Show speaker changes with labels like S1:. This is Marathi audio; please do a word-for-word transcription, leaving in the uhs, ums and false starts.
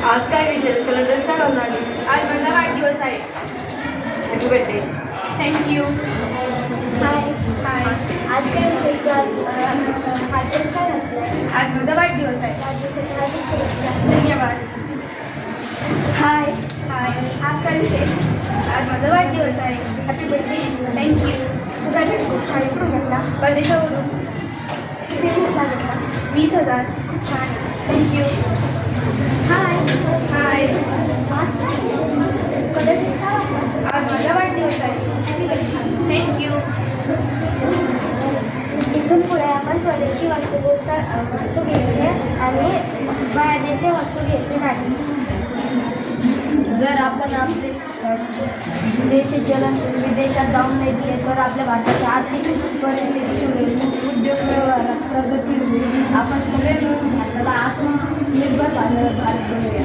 S1: आज काय विशेष कलर ड्रेस काय घालून आली?
S2: आज माझा वाढदिवस आहे.
S1: Happy birthday.
S2: Thank you.
S3: Hi
S2: hi.
S3: आज काय विषय तू आज हा ड्रेस काय घातलाय?
S2: आज माझा वाढदिवस आहे.
S3: वाढदिवसाच्या हार्दिक शुभेच्छा.
S2: धन्यवाद.
S3: हाय
S2: हाय. आज काय विशेष? आज माझा वाढदिवस आहे. Happy birthday. थँक्यू.
S3: तुझा ड्रेस खूप छान कुठून घेतला?
S2: परदेशावरून.
S3: किती घेतला घेतला?
S2: वीस हजार.
S3: खूप छान.
S2: थँक्यू.
S3: Hi
S2: hi.
S3: आज काय विशेष? कलर ड्रेस काय वाटला?
S2: आज माझा वाढदिवस आहे. Happy birthday. थँक्यू.
S3: इथून पुढे आपण स्वदेशी वस्तू वस्तू घ्यायचे आणि बाहेरदेशी वस्तू घ्यायचे नाही.
S4: जर आपण आपले देशी चलन विदेशात जाऊन नाही दिले तर आपल्या भारताची आर्थिक परिस्थिती सुधरेल, उद्योग व्यवहारात प्रगती होईल. आपण सगळे मिळून भारताला आत्मनिर्भर भारत भारत बनवूया.